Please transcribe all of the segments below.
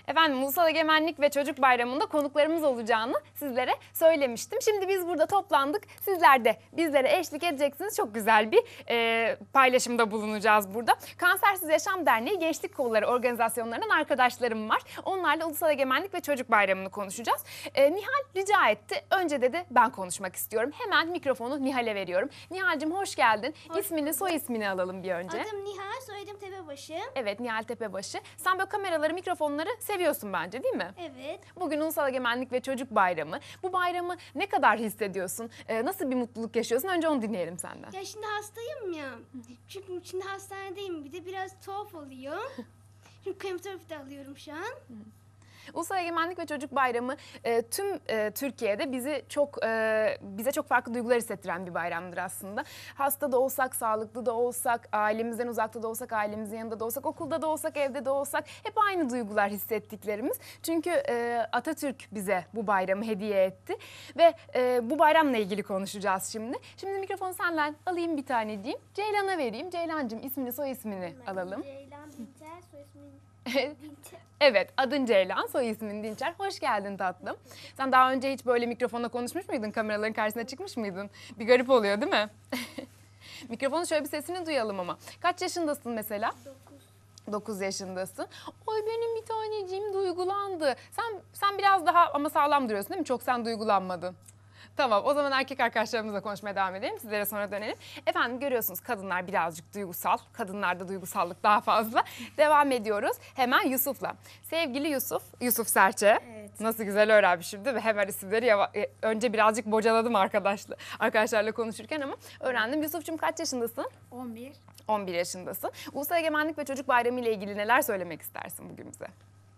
Efendim Ulusal Egemenlik ve Çocuk Bayramı'nda konuklarımız olacağını sizlere söylemiştim. Şimdi biz burada toplandık. Sizler de bizlere eşlik edeceksiniz. Çok güzel bir paylaşımda bulunacağız burada. Kansersiz Yaşam Derneği Gençlik Kolları organizasyonlarından arkadaşlarım var. Onlarla Ulusal Egemenlik ve Çocuk Bayramı'nı konuşacağız. Nihal rica etti. Önce dedi ben konuşmak istiyorum. Hemen mikrofonu Nihal'e veriyorum. Nihal'cim hoş geldin. İsmini, soy ismini alalım bir önce. Adım Nihal, soyadım Tepebaşı. Evet, Nihal Tepebaşı. Sen böyle kameraları, mikrofonları seviyorsun bence, değil mi? Evet. Bugün Ulusal Egemenlik ve Çocuk Bayramı. Bu bayramı ne kadar hissediyorsun? Nasıl bir mutluluk yaşıyorsun? Önce onu dinleyelim senden. Ya şimdi hastayım ya. Çünkü şimdi hastanedeyim. Bir de biraz tuhaf oluyor. Çünkü kemoterapi alıyorum şu an. Ulusal Egemenlik ve Çocuk Bayramı tüm Türkiye'de bize çok farklı duygular hissettiren bir bayramdır aslında. Hasta da olsak, sağlıklı da olsak, ailemizden uzakta da olsak, ailemizin yanında da olsak, okulda da olsak, evde de olsak hep aynı duygular hissettiklerimiz. Çünkü Atatürk bize bu bayramı hediye etti ve bu bayramla ilgili konuşacağız şimdi. Şimdi mikrofonu senden alayım bir tane diyeyim. Ceylan'a vereyim. Ceylancığım ismini, soy ismini alalım. Ceylan Dinçer, soy ismim Dinçer. Evet, adın Ceylan, soy ismin Dinçer. Hoş geldin tatlım. Sen daha önce hiç böyle mikrofonla konuşmuş muydun? Kameraların karşısına çıkmış mıydın? Bir garip oluyor değil mi? Mikrofonu şöyle bir sesini duyalım ama. Kaç yaşındasın mesela? 9 yaşındasın. Oy benim bir taneciğim duygulandı. Sen biraz daha ama sağlam duruyorsun değil mi? Çok sen duygulanmadın. Tamam, o zaman erkek arkadaşlarımızla konuşmaya devam edelim. Sizlere sonra dönelim. Efendim görüyorsunuz kadınlar birazcık duygusal. Kadınlarda duygusallık daha fazla. Devam ediyoruz hemen Yusuf'la. Sevgili Yusuf Serçe. Evet. Nasıl güzel öğrenmişim değil mi? Hemen isimleri önce birazcık bocaladım arkadaşlarla konuşurken ama öğrendim. Yusuf'cum kaç yaşındasın? 11. 11 yaşındasın. Ulusal Egemenlik ve Çocuk Bayramı ile ilgili neler söylemek istersin bugün bize?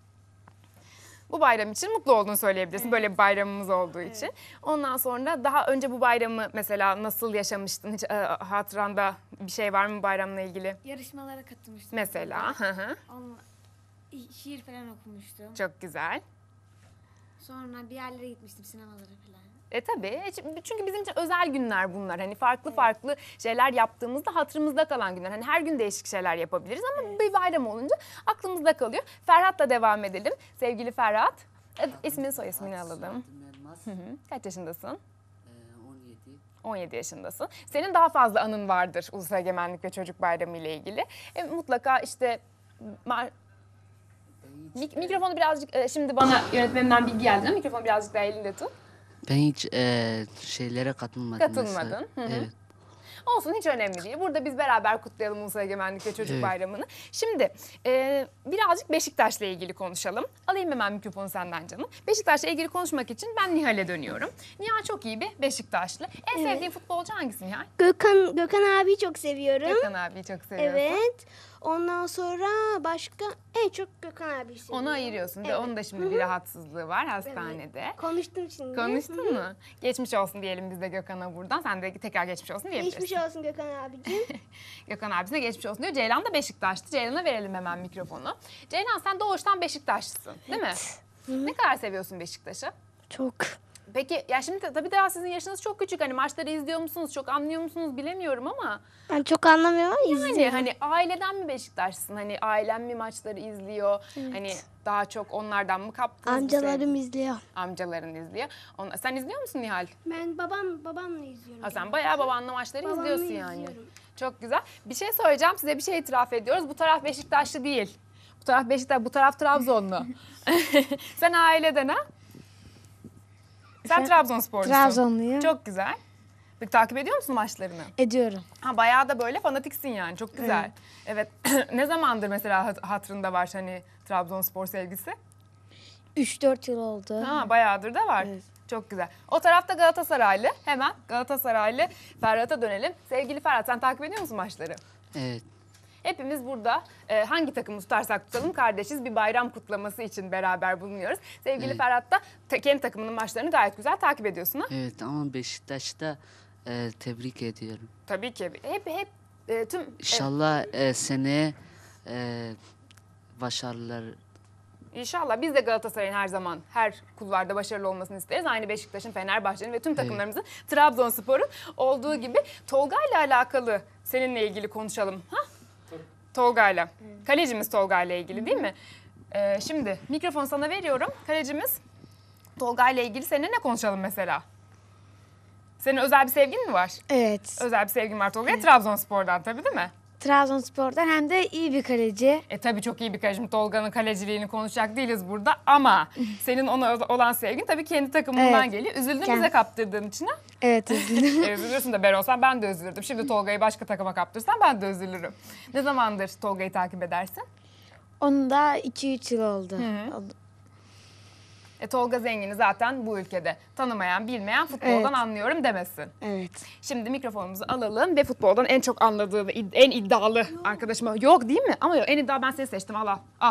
Bu bayram için mutlu olduğunu söyleyebilirsin. Evet. Böyle bir bayramımız olduğu için. Ondan sonra daha önce bu bayramı mesela nasıl yaşamıştın? Hiç hatıranda bir şey var mı bayramla ilgili? Yarışmalara katılmıştım. Mesela. Şiir falan okumuştum. Çok güzel. Sonra bir yerlere gitmiştim, sinemalara falan. Tabii. Çünkü bizim için özel günler bunlar. Hani farklı şeyler yaptığımızda hatırımızda kalan günler. Hani her gün değişik şeyler yapabiliriz ama bir bayram olunca aklımızda kalıyor. Ferhat'la devam edelim. Sevgili Ferhat. İsmini, soy ismini alalım. Kaç yaşındasın? 17. 17 yaşındasın. Senin daha fazla anın vardır Ulusal Egemenlik ve Çocuk Bayramı ile ilgili. Mutlaka işte mikrofonu birazcık şimdi bana yönetmenimden bilgi geldi. Mikrofonu birazcık daha elinde tut. Ben hiç şeylere katılmadım. Katılmadın. Evet. Olsun, hiç önemli değil. Burada biz beraber kutlayalım Ulusal Egemenlik ve Çocuk Bayramı'nı. Şimdi birazcık Beşiktaş'la ilgili konuşalım. Alayım hemen mikrofonu senden canım. Beşiktaş'la ilgili konuşmak için ben Nihal'e dönüyorum. Nihal çok iyi bir Beşiktaşlı. En sevdiğin futbolcu hangisi Nihal? Gökhan abiyi çok seviyorum. Gökhan abiyi çok seviyorsun. Evet. Ondan sonra başka en çok Gökhan abiyi seviyorum. Onu ayırıyorsun. Evet. Onun da şimdi bir rahatsızlığı var hastanede. Evet. Konuştum şimdi. Konuştun mu? Geçmiş olsun diyelim biz de Gökhan'a buradan. Sen de tekrar geçmiş olsun diyebilirsin. Geçmiş olsun Gökhan abicim. Gökhan abisine geçmiş olsun diyor. Ceylan da Beşiktaş'tı. Ceylan'a verelim hemen mikrofonu. Ceylan sen doğuştan Beşiktaşlısın değil mi? Ne kadar seviyorsun Beşiktaş'ı? Çok. Peki ya şimdi tabii daha sizin yaşınız çok küçük. Hani maçları izliyor musunuz? Çok anlıyor musunuz bilemiyorum ama. Ben çok anlamıyorum ama izliyorum. Hani aileden mi Beşiktaşlısın? Hani ailen mi maçları izliyor? Evet. Hani daha çok onlardan mı kaptınız? Amcalarım izliyor. Amcaların izliyor. Sen izliyor musun Nihal? Ben babamla izliyorum. Ha, sen bayağı babanla maçları Babamla izliyorsun yani. izliyorum. Çok güzel. Bir şey söyleyeceğim. Size bir şey itiraf ediyoruz. Bu taraf Beşiktaşlı değil. Bu taraf Beşiktaş, bu taraf Trabzonlu. Sen aileden ha? Sen Trabzonsporlusun. Trabzonluyum. Çok güzel. Peki takip ediyor musun maçlarını? Ediyorum. Ha, bayağı da böyle fanatiksin yani. Çok güzel. Evet. Ne zamandır mesela hatırında var hani Trabzonspor sevgisi? 3-4 yıl oldu. Ha, bayağıdır da var. Evet. Çok güzel. O tarafta Galatasaraylı. Hemen Galatasaraylı Ferhat'a dönelim. Sevgili Ferhat, sen takip ediyor musun maçları? Evet. Hepimiz burada hangi takımı tutarsak tutalım kardeşiz, bir bayram kutlaması için beraber bulunuyoruz. Sevgili Ferhat da kendi takımının maçlarını gayet güzel takip ediyorsun ha? Evet ama Beşiktaş'ta tebrik ediyorum. Tabii ki. Hep tüm... İnşallah seneye başarılar. İnşallah biz de Galatasaray'ın her zaman her kulvarda başarılı olmasını isteriz. Aynı Beşiktaş'ın, Fenerbahçe'nin ve tüm takımlarımızın, Trabzonspor'un olduğu gibi. Tolga'yla alakalı seninle ilgili konuşalım. Ha? Tolga'yla. Kalecimiz Tolga'yla ilgili değil mi? Şimdi mikrofonu sana veriyorum. Kalecimiz Tolga ile ilgili seninle ne konuşalım mesela? Senin özel bir sevgin mi var? Evet. Özel bir sevgin var Tolga'ya. Trabzonspor'dan tabii değil mi? Trabzonspor'dan hem de iyi bir kaleci. Tabii çok iyi bir kaleci. Şimdi Tolga'nın kaleciliğini konuşacak değiliz burada ama senin ona olan sevgin tabii kendi takımından Evet. geliyor. Üzüldün Kend- bize kaptırdığın için ha? Evet, üzüldüm. Üzülürsün de ben olsam ben de üzülürdüm. Şimdi Tolga'yı başka takıma kaptırsam ben de üzülürüm. Ne zamandır Tolga'yı takip edersin? Onun da 2-3 yıl oldu. Oldu. Tolga Zengin'i zaten bu ülkede tanımayan, bilmeyen futboldan Evet. anlıyorum demesin. Evet. Şimdi mikrofonumuzu alalım ve futboldan en çok anladığı ve en iddialı arkadaşıma. Yok değil mi? Ama yok, en iddialı ben seni seçtim. Al.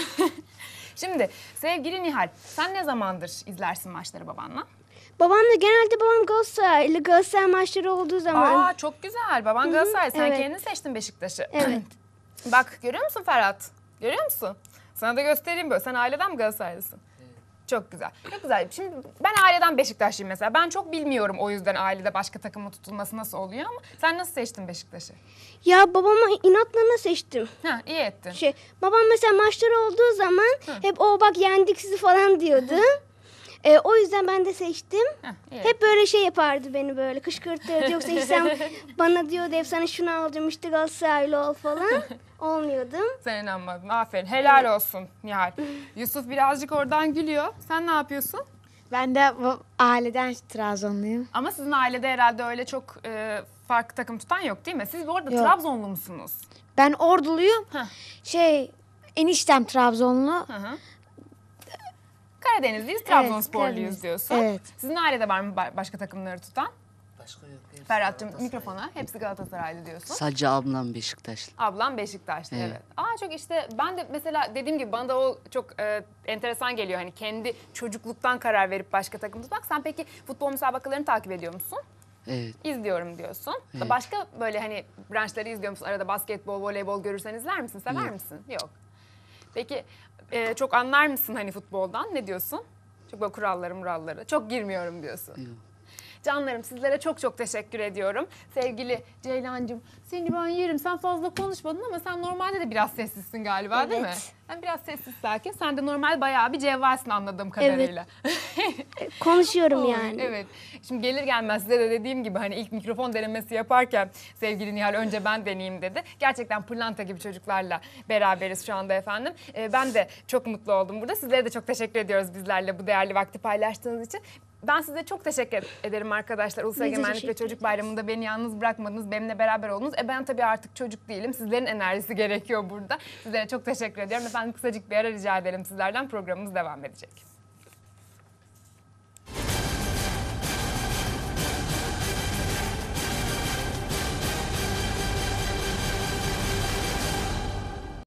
Şimdi sevgili Nihal, sen ne zamandır izlersin maçları babanla? Babamla genelde babam Galatasaray maçları olduğu zaman. Çok güzel. Baban Galatasaray. Sen evet. kendin seçtin Beşiktaş'ı. Evet. Bak görüyor musun Ferhat? Görüyor musun? Sana da göstereyim böyle. Sen aileden mi Galatasaraylısın? Çok güzel. Çok güzel. Şimdi ben aileden Beşiktaşlıyım mesela. Ben çok bilmiyorum o yüzden ailede başka takıma tutulması nasıl oluyor ama sen nasıl seçtin Beşiktaş'ı? Ya babama inatlarına seçtim. İyi ettin. Babam mesela maçları olduğu zaman hep o bak yendik sizi falan diyordu. O yüzden ben de seçtim. İyi. Hep böyle şey yapardı beni böyle kışkırtırdı. Yoksa hiç sen bana diyordu hep sana şunu alacağım işte Galatasaraylı ol falan. Olmuyordum. Sen inanmadın. Aferin. Helal olsun Nihal. Yusuf birazcık oradan gülüyor. Sen ne yapıyorsun? Ben de aileden Trabzonluyum. Ama sizin ailede herhalde öyle çok farklı takım tutan yok değil mi? Siz bu arada Yok. Trabzonlu musunuz? Ben Orduluyum. Heh. Eniştem Trabzonlu. Hı. Karadenizliyiz, Trabzonsporluyuz Karadeniz. diyorsun. Evet. Sizin ailede var mı başka takımları tutan? Başka yok. hepsi Ferhat'cığım Galatasaray. mikrofona. Hepsi Galatasaraylı diyorsun. Sadece ablam Beşiktaşlı. Ablam Beşiktaşlı evet. Evet. Çok işte ben de mesela dediğim gibi bana da o çok enteresan geliyor. Hani kendi çocukluktan karar verip başka takım tutmak. Sen peki futbol müsabakalarını takip ediyor musun? Evet. İzliyorum diyorsun. Evet. Başka böyle hani branşları izliyor musun? Arada basketbol, voleybol görürsen izler misin? Sever Yok. misin? Yok. Peki çok anlar mısın hani futboldan? Ne diyorsun? Çok böyle kuralları. Çok girmiyorum diyorsun. Yok. Canlarım sizlere çok çok teşekkür ediyorum. Sevgili Ceylancığım seni ben yerim. Sen fazla konuşmadın ama sen normalde de biraz sessizsin galiba değil mi? Evet. Sen biraz sessiz sakin. Sen de normal bayağı bir cevvalsin anladığım kadarıyla. Konuşuyorum Oy, yani. Evet. Şimdi gelir gelmez size de dediğim gibi hani ilk mikrofon denemesi yaparken sevgili Nihal önce ben deneyeyim dedi. Gerçekten pırlanta gibi çocuklarla beraberiz şu anda efendim. Ben de çok mutlu oldum burada. Sizlere de çok teşekkür ediyoruz bizlerle bu değerli vakti paylaştığınız için. Ben size çok teşekkür ederim arkadaşlar. Ulusal Biz de Egemenlik ve teşekkür Çocuk Bayramı'nda beni yalnız bırakmadınız. Benimle beraber oldunuz. Ben tabii artık çocuk değilim. Sizlerin enerjisi gerekiyor burada. Sizlere çok teşekkür ediyorum. Efendim kısacık bir ara rica edelim sizlerden. Programımız devam edecek.